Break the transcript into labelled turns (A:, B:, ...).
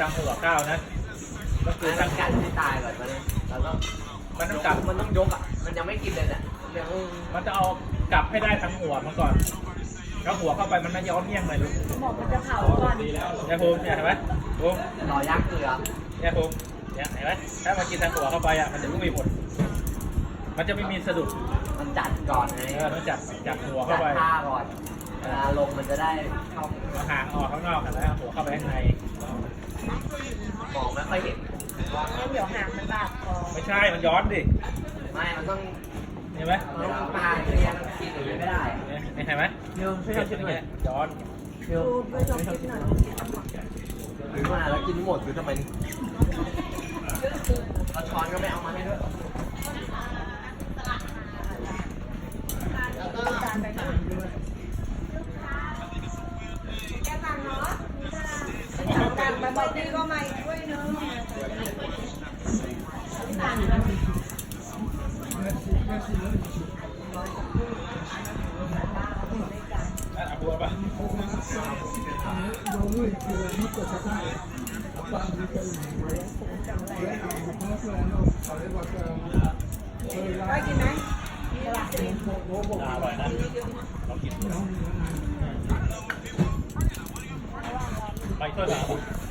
A: างหัวก้าวนะก็คือ
B: ทา
A: ทาง ง
B: กัดที่ตายก่อนมาเลยเราต้อง
A: มันต้องกลับ
B: มันต้องยกอ่ะมันยังไม่กินเลยเนี่ยยัง
A: มันจะเอากลับให้ได้ทั้งหัวมาก่อนแล้วหัวเข้าไปมันไม่ย้อนเมี่ยงเลยลูก
C: บอกมันจะเผาก่อน
A: เนี่ยภูมิเนี่ยเห็นไหมภูมิ
B: รอยักษ์เกลือ
A: เนี่ยภูมิเนี่ยเห็นไหมถ้ามันกินทางหัวเข้าไปอ่ะมันจะไม่มีผลมันจะไม่มีสะดุด
B: มันจัดก่อนไง
A: ต้องจับหัว
B: จั
A: เข้า
B: ด
A: ไป
B: ท่าก่อนเวลาลงมันจะได้เข้า
A: เอาหางออกข้างนอกกันแล้วเอาหัวเข้าไปข้างใน
B: มองไม่ค่อยเห็น
C: งั้นเดี๋ยวหางมันบาดคอ
A: ไม่ใช่มันย้อนดิ
B: ไม่มันต้อง
A: เห็นไหม
B: มันต้องปลาเรียนกินอย่างนี้ไม่ได้
A: เห็นไหม
B: เดี๋ยวช่วย
A: เห็
B: ทำ
A: น
B: ช่วย
A: ไห
B: ห
A: ม
B: น่อย
A: ย้อน
B: เดี๋ยว
C: ดูไปลองคิดหน่อย
B: หรือว่าแล้วกินหมดคือทำไมเราช้อนก็ไม่เอามาให้ด้วย
C: ต่างไปบอกพี่ก็มาอีกด้วยเนึง
A: เอาบัวป่ะ
C: ได้กินไหม
A: อร่อยนะลองกินไปช่วยหมาป่ะ